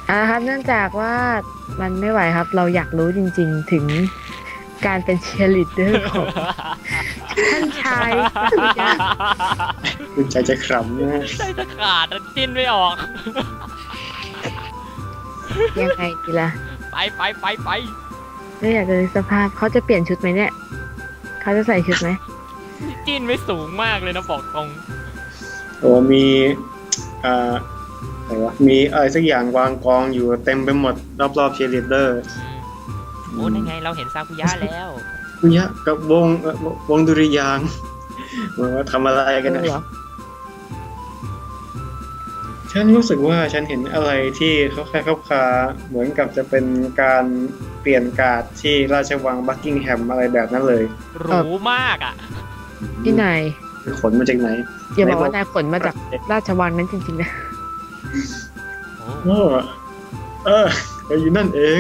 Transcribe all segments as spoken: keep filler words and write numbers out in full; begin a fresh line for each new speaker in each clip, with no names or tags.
อ่าครับเนื่องจากว่ามันไม่ไหวครับ เราอยากรู้จริงๆถึงการเป็นเชียร์ลีดเดอร์ของท่านชายสุดยอด
คุณใจจะขำนะ
ใจจะขาดอะจิ้นไม่ออก
ยังไงดีล่ะ
ไปไปไปไป
ไม่อยากจะนึกสภาพเขาจะเปลี่ยนชุดไหมเนี่ยเขาจะใส่ชุดไหม
จิ้นไม่สูงมากเลยนะบอกตรง
โอ้มีอ่าอะไรวะมีอะไรสักอย่างวางกองอยู่เต็มไปหมดรอบๆเชียร์ลีดเดอร์
โอ้ยังไงเราเห็นซากุยะแล้ว
คุยะกับวงเอ่อวงดุริยางค์ว่าทำอะไรกันนะ
เหรอ
ฉันรู้สึกว่าฉันเห็นอะไรที่เขาคล้ายเขาคาเหมือนกับจะเป็นการเปลี่ยนการ์ดที่ราชวังบักกิงแฮมอะไรแบบนั้นเลย
หรูมากอ่ะ
พี่นาย
ขนมาจากไหน
อย่าบอกว่านายขนมาจากราชวังนั้นจริงๆนะ
โอ้
เออเออก็อยู่นั่นเอง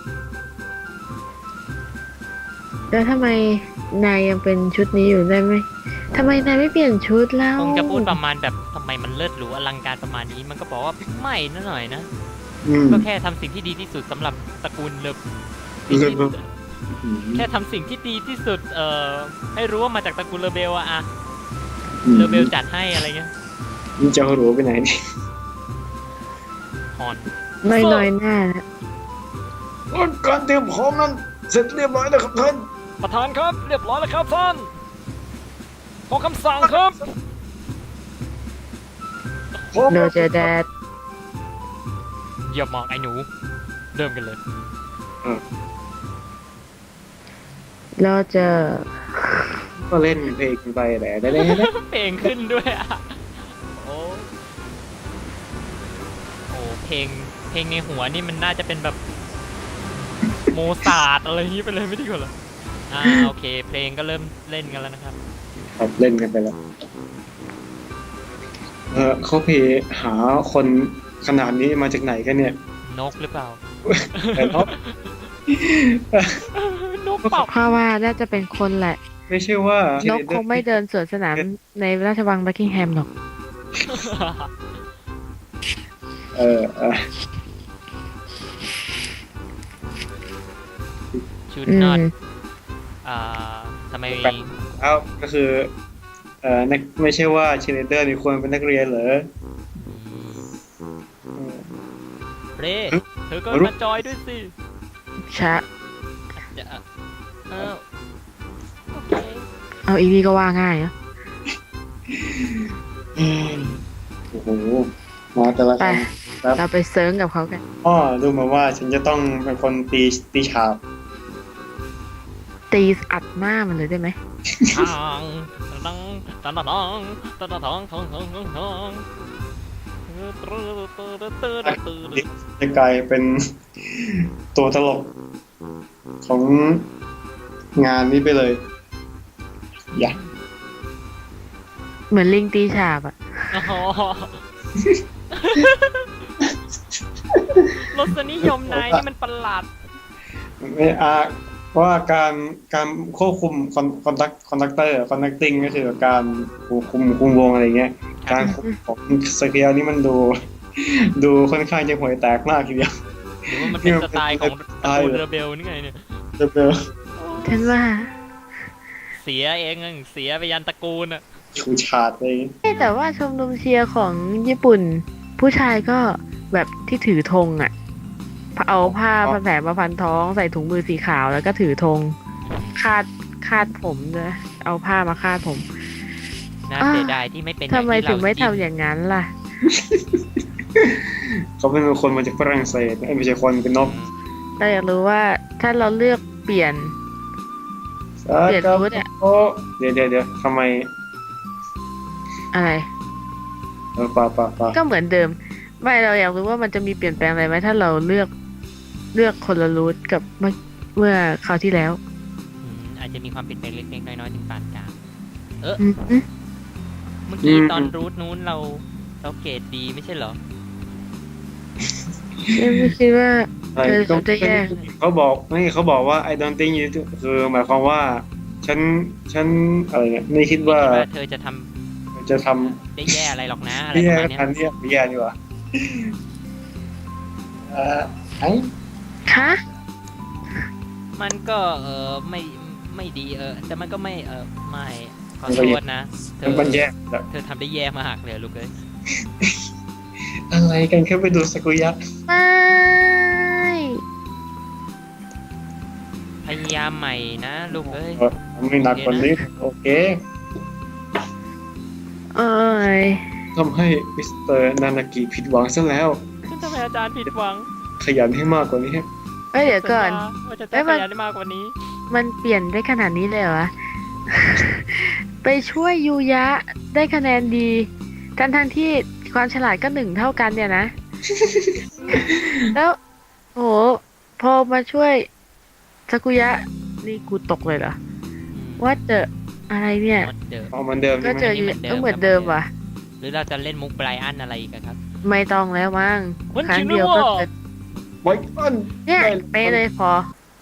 แล้วทำไมนายยังเป็นชุดนี้อยู่ได้ไหมทำไมนายไม่เปลี่ยนชุดแล้ว
คงจะพูดประมาณแบบทำไมมันเลิศหรูอลังการประมาณนี้มันก็บอกว่าไม่นะหน่อยนะ
อืม
ก็แค่ทำสิ่งที่ดีที่สุดสำหรับตระกูลเลิฟ
เลิฟ
แค่ทำสิ่งที่ดีที่สุดเอ่อให้รู้ว่ามาจากตระกูลเลเบลอะอะเลเบลจัดให้อะไรเงี้ย
มึงจะเอาหรูไปไหนนี่
ฮอน
ไม่น้อยหน้านะ
การเตรียมพร้อมนั้นเสร็จเรียบร้อยแล้วครับท่าน
ประธานครับเรียบร้อยแล้วครับท่านขอคำสั่งครับ
พร้อม
โดเจอแดด
เยี่ยมมากไอ้หนูเริ่มกันเลย
โดเจอ
ก็เล่นเพลงไปแหละได้ได้ได้
เพลงขึ้นด้วยอะโอ้โอ้เพลงเพลงในหัวนี่มันน่าจะเป็นแบบโมซาร์ทอะไรอย่างนี้ไปเลยไม่ดีกว่าเหรออ่าโอเค เพลงก็เริ่มเล่นกันแล้วนะครับ
ครับเล่นกันไปแล้วเออเขาไปหาคนขนาดนี้มาจากไหนกันเนี่ย
นกหรือเปล่า
แต่เขา
นกเปล่า
เพราะว่าน่าจะเป็นคนแหละ
ไม่ใช่ว่าน
กคงไม่เดินสวนสนามในราชวังบักกิงแฮมหรอก
เออเออ
ชุด
อื
นอ
ม
ตอ่าทำไม
เอ้าก็คือเอ่อนักไม่ใช่ว่าเชนเดอร์นี่ควรเป็นนักเรียนเหรอ
เรเธอก็มาจอยด้วยสิ
ชะ
เดี๋ยวเออโอเค
เอาอีนี่ก็ว่าง่ายนะ
อืมโอ้โหมาแต่ละ
ไป
ครั้งครับ
เราไปเซิร์งกับเขากัน
อ๋อดูมาว่าฉันจะต้องเป็นคนตีตีฉาบ
ตีอัดหน้ามันเลยได้ไหม
ทางตังตังตังตังตังตังตังตังตังตังตัง
จะกลายเป็นตัวตลกของงานนี้ไปเลย อย่า
เหมือนลิงตีฉาบอะ
อ๋อรสนิยมนายนี่มันประหลาด
ไม่อาเพราะว่าการการควบคุมคอนคอนดักคอนดักเตอร์คอนดักติ้งก็คือการควบคุมคุมวงอะไรเงี้ย การคุมของสเกลนี่มันดู ดูค่อนข้างจะห่วยแตกมากทีเดียว
หรือว่ามันเป็นสไตล์ของตระกูลเรเบลนี่ไงเนี่ย
เดี๋ยวเดี๋ยว
ฉันว่า
เสียเองเสียไปยันตระกูลอ่ะ
ชูชาดเลย
แต่ว่าชมรมเชียร์ของญี่ปุ่น ผู้ชายก็แบบที่ถือธงอะเอาผ้าพันแผลมาพันท้องใส่ถุงมือสีขาวแล้วก็ถือธงคาดคาดผมด้วยเอาผ้ามาคาดผม
น่าเสียดายที่ไม่เป็น
ทำไมถึงไม่ทำ
อ
อย่างนั้นล่ะ
เขาเป็นคนมาจากฝรั่งเศสไม่ใช่คนเป็นนก
เราอยากรู้ว่าถ้าเราเลือกเปลี่ยน เปลี่ยนชุดอะ
โอ้เดี๋ยวเดี๋ยวเดี๋ยวทำไม
อะไร
เออป่าป่าป่า
ก็เหมือนเดิม ไม่เราอยากรู้ว่ามันจะมีเปลี่ยนแปลงอะไรไหมถ้าเราเลือกเลือกคนละรูทกับเมื่อเมื่อคราวที่แล้ว
อืมอาจจะมีความเปลี่ยนแปลงเล็กๆน้อยๆถึงปานกลางเออ
อืม
เมื่อกี้ตอนรูทนู้นเราเราเกรดดีไม่ใช่เหรอ
ไม่คิดว่า
อะไร
เออ
ก็
เขาจะแยก
เขาบอกนี่เขาบอกว่า I don't think you do คือหมายความว่า ฉันฉันอะไรเนี่ยไม่คิดว่า
ไม่คิดว่าเธอจะทำ
จะท
ได้แย่อะไรหรอกนะ
ำ
อะไร
ที่
ป
แย่
ระมาณเนี้ย
ทันเนี่ยไม่แย่ดีกว่า อเอ่อไอ้
คะ
มันก็เออไม่ไม่ดีเออแต่มันก็ไม่เออไม่ขอโทษนะเธ
มัน
อ
มันแย่แล้ว
เธอทำได้แย่มากเลยลูกเอ้ย
อะไรกันแค่ไปดูสกุยะ
ไม่
พยายามใหม่นะลูกเอ้ย
เออไม่หนักกว่านี้โอเค
เอ้ย
ทำให้มิสเตอร์นานากิผิดหวังซะแล้ว
ฉันทำให้อาจารย์ผิดหวัง
ขยันให้มากกว่านี้
เอ้ยเดี๋ยวก่อน
สัญญาว่าจะ
เอ้
ตั้
ย
ง
มัน
ใจได้มากกว่านี้
มันเปลี่ยนได้ขนาดนี้เลยเหรอวะ ไปช่วยยูยะได้คะแนนดีทั้งทั้งๆที่ความฉลาดก็หนึ่งเท่ากันเนี่ยนะ แล้วโหพอมาช่วยซากุยะนี่กูตกเลยเหรอ ว่าเจออะไรเนี่ย
มดเดิม
เอาเหมือนเดิม
ก็
ใช่ไหม
เจอยูก็เหมือนเดิมว่ะ
หรือเราจะเล่นมุกไบรอันอะไรอีกอะครับ
ไม่ต้องแล้วมั้ง
มัน
ครั้
จริ
ง
ง
เดียว
ด้
ก็
วย
เกิด
ไว้ก่อน
เนี่ยเป๊ะเลยพอ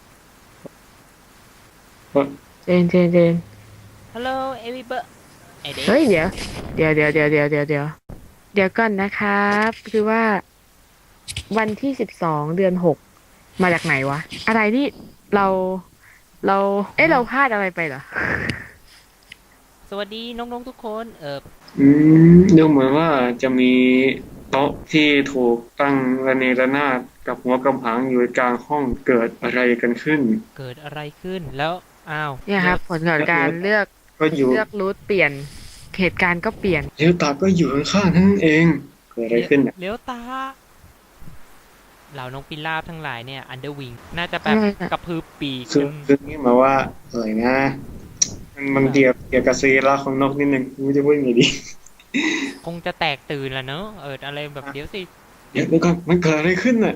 เจนเจนเจน
ฮัลโหลเอวิเบอร์ไอเด็ก
เฮ้ยเดี๋ยวเดี๋ยวเดี๋ยวเดี๋ยวเดี๋ยวเดี๋ยวเดี๋ยวเดี๋ยวก่อนนะครับ คือว่า วันที่สิบสองเดือนหกมาจากไหนวะ อะไรที่เราเรา เอ๊ะเราพลาดอะไรไปเหรอ
สวัสดีน้องๆทุกคนเออ
อืมดูเหมือนว่าจะมีโต๊ะที่ถูกตั้งระเนระนาดกับหัวกำหางอยู่กลางห้องเกิดอะไรกันขึ้น
เกิดอะไรขึ้นแล้วอ้าว
เนี่ยครับ ผลของการเลือก
ก็อยู่
เลือกรูทเปลี่ยนเหตุการณ์ก็เปลี่ยน
เลี้ยวตาก็อยู่ข้างๆนั่นเองเกิดอะไรขึ้นเนี่ย
เลี้ยวตาเหล่านกพิราบทั้งหลายเนี่ยอันเดอร์วิงน่าจะแบบ
อะไรอะ
กระพือปีก
คือ
ขึ้น
คือนี่หมายว่าอะไรนะมันมันเกี่ยวเกี่ยวกับซีราของนกนิดนึงไม่รู้จะพูดยังไงดี
คงจะแตกตื่นแล้วเนอะเอออะไรแบบเดี๋ยวสิ
เดี๋ยวเดี๋ยวก่อนมันเกิดอะไรขึ้นน่ะ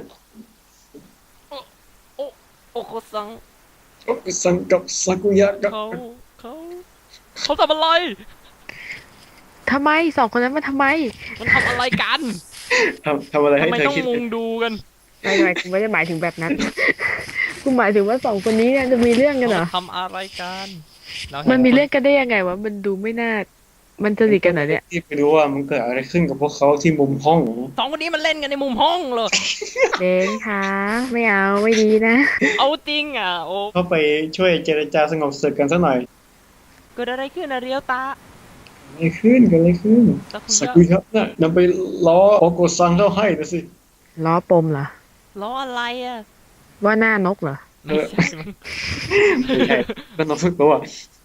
โอโคซัง
โอ้สังกับซากุยะกับ
เขาเขาเขาทำอะไร
ทำไมสองคนนั้นมาทำไม
มันทำอะไรกัน
ทำทำอะไรให้
ทำไม
เธอ
ต้อง
คิด
มุงดูกัน
ไม่ไม่กูไม่ได้หมายถึงแบบนั้น กูหมายถึงว่าสองคนนี้เนี่ยจะมีเรื่องกันเหรอ
เขาทำอะไรกันเรา
มันมี
ห็
เรื่องกันได้ยังไงวะ มันดูไม่น่า มันจะดีกันเหรอเนี่ย
ที่ไปดูว่ามันเกิดอะไรขึ้นกับพวกเขาที่มุมห้องนะ
สองคนนี้มันเล่นกันในมุมห้องเหรอ
เดนคะไม่เอาไม่ดีนะ
เอาจริงอ่ะโอ้
เขาไปช่วยเจรจาสงบศึกกันสักหน่อย
เกิดอะไรขึ้นอะเรียวตา
อะไรขึ้นกันอะไรขึ้น
ซากุ
ซากุยะน่ะนำไปล้อโอโกซังเข้าให้นะสิ
ล้อปมเหรอ
ล้ออะไรอ่ะ
ว่าหน้านกเหรอ
ไม่ใช่มั้ง
ไม่ใช่ก็น้องฝึกตัว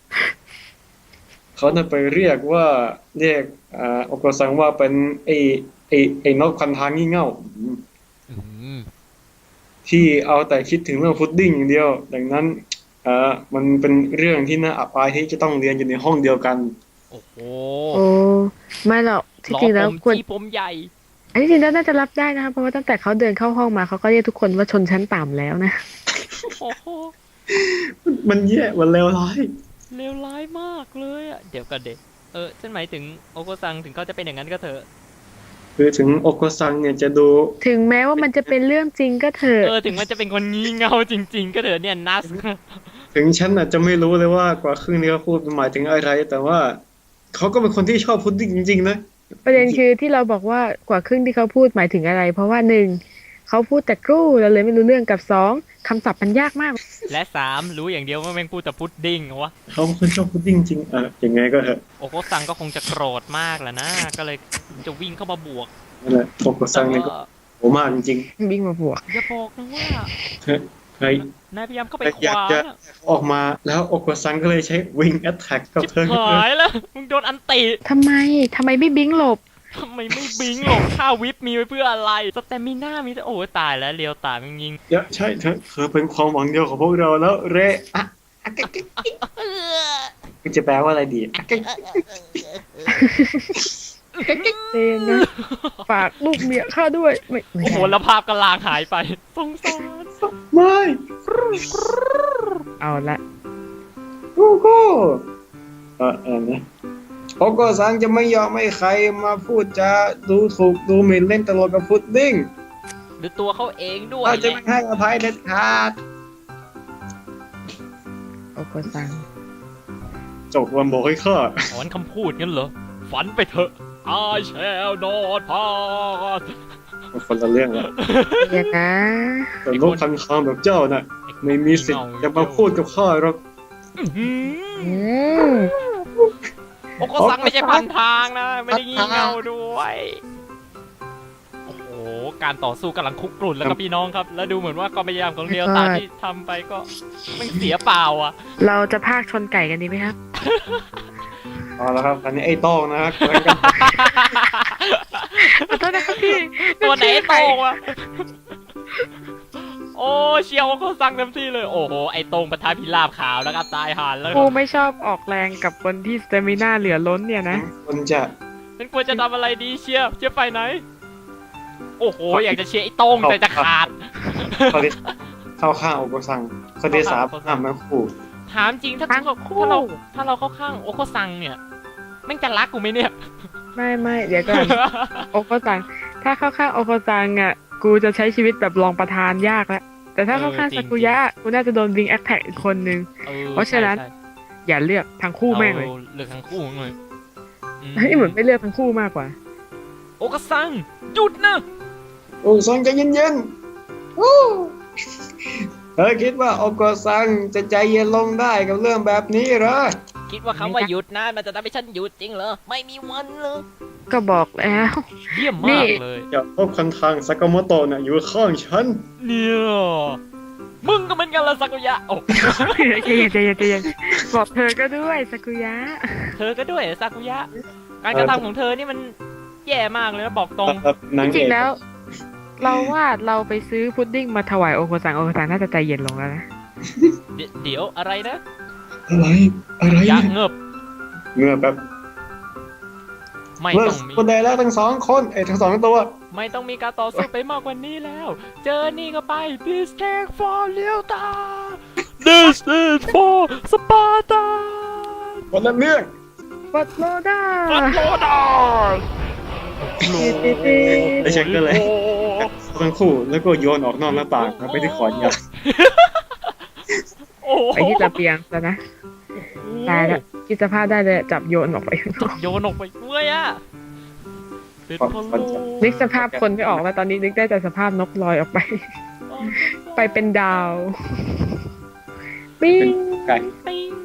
เขาน่ะไปเรียกว่าเรียกอ่าโอโกซังว่าเป็นไอ้ไอ้ไอ้นกพันทางงี่เง่า
อืม
ที่เอาแต่คิดถึงเรื่องพุดดิ้งอย่างเดียว ดังนั้นเอ่อมันเป็นเรื่องที่น่าอับอายที่จะต้องเรียนอยู่ในห้องเดียวกัน
โอ้โห
โอ้ไม่หรอกที่
ล้อ
จริงแล้ว
ผม
ควร
ที่ผมใหญ่
อันที่จริงแล้วน่าจะรับได้นะครับเพราะว่าตั้งแต่เขาเดินเข้าห้องมาเขาก็เรียกทุกคนว่าชนชั้นต่ำแล้วนะ
โอ้โห
มันแย่มันเลวร้าย
เลวร้ายมากเลยอ่ะเดี๋ยวกันเด็กเออฉันหมายถึงโอโกซังถึงเขาจะเป็นอย่างนั้นก็เถอะ
คือถึงโอโกซังเนี่ยจะดู
ถึงแม้ว่ามันจะเป็นเรื่องจริงก็เถอะ
เออถึงมันจะเป็นคนงี่เง่าจริง ๆ ก็เถอะเนี่ยนัส
ถึงฉันอาจจะไม่รู้เลยว่ากว่าครึ่งนี้เขาพูดหมายถึงอะไร แต่ว่าเขาก็เป็นคนที่ชอบพุดดิ้งจริงๆนะ
ประเด็นคือที่เราบอกว่ากว่าครึ่งที่เขาพูดหมายถึงอะไร เพราะว่าหนึ่งเขาพูดแต่กรูเราเลยไม่รู้เรื่องกับสองคำศัพท์มันยากมาก
และสามรู้อย่างเดียวว่าแม่งพูดแต่พุดดิ้งวะ
เขาเป็นคนชอบพุดดิ้งจริงเออยังไงก็เถอะ
โอโกซังก็คงจะโกรธมากแหละนะ ก็เลยจะวิ่งเข้ามาบวก
นั่นแหละโอโกซังเนี่ยก็โหมากจริง
วิ่งมาบวก
อย่าบอกนะว่า
ๆเธอใคร
นายพยายามเข้าไป
ใคร
ข
อยาก
วาง
จะ
อะ
ออกมาแล้วโอโกซังก็เลยใช้วิงแอตแทกกับ
ชิบ
เธอ
หายแล้วมึงโดนอันติ
ทำไมทำไมไม่บิงหลบ
ทำไมไม่บิงหรอกค่าวิปมีไว้เพื่ออะไรสเตมิน่ามีแต่โอ้ยตายแล้วเลียวตายมึงยิง
เยอะใช่เธอเธอเป็นความหวังเดียวของพวกเราแล้วเรอะอะกะกะมันจะแปลว่าอะไรดีอะกะกะ
เจนนะ ฝากลูกเมียข้าด้วย ไม่ไม่
โอ้โห
ได้
แล้วภาพกระลางหายไปสงสาร
ไม่
เอาละ
โอ้โหเออเออนะโอโกซังจะไม่ยอมให้ใครมาพูดจาดูถูกดูหมิ่นเล่นตลกกับพุดดิ้ง
หรือตัวเขาเองด้วย
เราจะไม่ให้อภัยเด็ดขาด
โอโกซัง
จบวันบอกให้ข้า
ถอนคำพูดงั้นเหรอฝันไปเถอะ I shall not pass
มันคนละเรื่องแล้ว
อย่างนะ
แต่โลกคันคางแบบเจ้าน่ะ ไม่มีสิทธิ์จะมาพูดกับข้าหรอก
อื้อหือ
อืม
โอโกซังไม่ใช่พันทางนะ ไม่ได้งี่เง่าด้วย โอ้โห การต่อสู้กำลังคุกรุ่นแล้วก็พี่น้องครับ แล้วดูเหมือนว่าความพยายามของเรียวตาที่ทำไปก็ไม่เสียเปล่าอ่ะ
เราจะพากชนไก่กันดีไหมครับ
เอาละครับอันนี้ไอ้โต้งนะครับกำลังกัน
ขอโทษนะครับพี่
ตัวไหนโตงวะ โอ้เชียวโอโกซังเต็มที่เลย โอ้โห ไอตรงปะทะพิราบขาวแล้วก็ตายห่านแล้ว
กูไม่ชอบออกแรงกับคนที่สเตมิน่าเหลือล้นเนี่ยนะ
คนจะ
ฉันควรจะทำอะไรดีเชียร์เชียร์ไปไหน โอ้โห อยากจะเชียร์ไอ้ตรงแต่จะขาด
เขาที่เข้าข้างโอโกซังเขาที่สามห้ามทั้งคู่
ถามจริงถ้า
ทั้ง
ถ้า
คู่
ถ้าเราถ้าเราเข้าข้างโอโกซังเนี่ยแม่งจะรักกูไหมเนี่ย
ไม่ไม่เดี๋ยวก่อน โอโคซัง ถ้าเข้าข้างโอโคซังอ่ะ กูจะใช้ชีวิตแบบรองประธานยากแล้ว แต่ถ้าเข้าข้าง
เออจริ
ซาง กุยะ กูน่าจะโดนวิงแอคแท็กอีกคนนึง
ออ
เพราะฉะนั้น
ใช่
อย่าเลือกทั้ง
ใช่
คู่แม่งเลย
อาเลือกทั้งคู่เลยอืม
เฮ้ยเหมือนไม่เลือกทั้งคู่มากกว่า
โอโกซังหยุดนะ
โอโกซังใจเย็นๆโอ้เธอคิดว่าโอโกซังจะใจเย็นลงได้กับเรื่องแบบนี้เหรอ
คิดว่าคำว่าหยุดนะมันจะทำให้ฉันหยุดจริงเหรอไม่มีวันเลย
ก็บอกแล้ว
เยี่ยม
นี่
มากเลย
อย่าพบคันทางซากาโมโตะน่ะอยู่ข้างฉัน
เนี่ยมึงก็เหมือนกันละซากุยะโอ้
ใจเย็นใจเย็นใจเย็นบอกเธอก็ด้วยซากุยะ
เธอก็ด้วยซากุยะ การกระทำของเธอนี่มันแย่มากเลยนะบอกตรง
นาง
จ
เอ
ริง
ก
ๆแล้ว เราว่าเราไปซื้อพุดดิ้งมาถวายโอโคซังโอโคซังน่าจะใจเย็นลงแล้วนะ
เดี๋ยวเดี๋ยวอะไรนะ
อะไรอะไร
ยั
เนี่ย
กษ์เงิบ
เงื่อแบบ
ไม่
เมื่อ
ต้องมี
คนใดแล้วทั้งสองคนไอ้ยทั้งสองตัว
ไม่ต้องมีการต่อสู้ไปมากกว่านี้แล้ว เจอนี่ก็ไป This take for เลียวตา This is for Sparta
คนละเรื่อง
บัตโลดา
ฟันโลดา
ไอ้เช็คก็เลยทั้งคู่แล้วก็โยนออกนอกหน้าต่างแล้วไปที่ขอนยาง
โอ้โห
ไปที่ระเบียงซะนะ ตายแล้วคิดสภาพได้เลยจับโยนออกไปข้างนอก
โยนออกไปด้วยอ่ะเป็นพะโล้
นึกสภาพคนไม่ออกแล้วตอนนี้นึกได้แต่สภาพนกลอยออกไป ไปเป็นดาวปิ้ง
ไก่
ปิ๊ง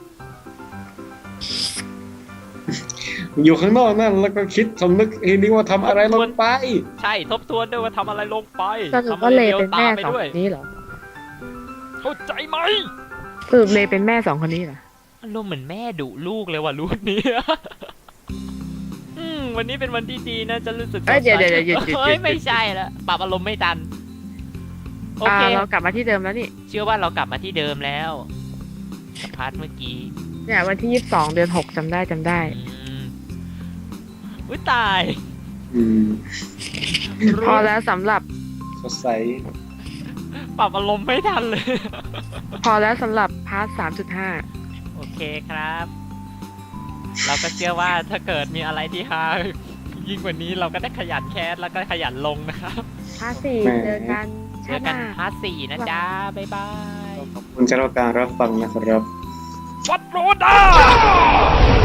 อยู่ข้างนอกนั่นแล้วก็คิดสำนึกทีนี้ว่าทำอะไรลงไป
ใช่ทบทวนด้วยว่าทำอะไรลงไป
สรุป
ทำอะ
ว่า
ไร
เล
เลี้ยว
เป็น
ตา
แม่
ไป
สอง
ด้วย
คนนี้เหรอ
เข้าใจไหม
สรุปเลเป็นแม่สองคนนี้เหรอ
อารมณ์เหมือนแม่ดุลูกเลยว่ะลูกนี้ อืมวันนี้เป็นวันที่ดีนะจะรู้สึก
เอ้ยเดี๋ยวเดี๋ยวเดี๋ยวหยุดหยุดหยุด
เฮ้ยไม่ใช่ละปรับอารมณ์ไม่ทันโอ
อ่า
เค
เรากลับมาที่เดิมแล้วนี่
เชื่อว่าเรากลับมาที่เดิมแล้วสพาร์ทเมื่อกี้
เนี่ยวันที่ยี่สิบสองเดือนหกจำได้จำได้
อืมอุ้ยตาย
อืม
พอแล้วสำหรับ
สดใส
ปรับอารมณ์ไม่ทันเลย
พอแล้วสำหรับพาร์ทสามจุดห้า
โอเคครับ เราก็เชื่อว่าถ้าเกิดมีอะไรที่ฮายิ่งกว่านี้เราก็ได้ขยันแคสแล้วก็ขยันลงนะครับ
พาร์ทสี่เจอกัน
เจ
ชา
อ
ติห
กัน
น้า
พาร์ทสี่นะจ๊ะ บ๊ายบาย
ขอบคุณสำหรับการรับฟังนะครับ
วัดโรดา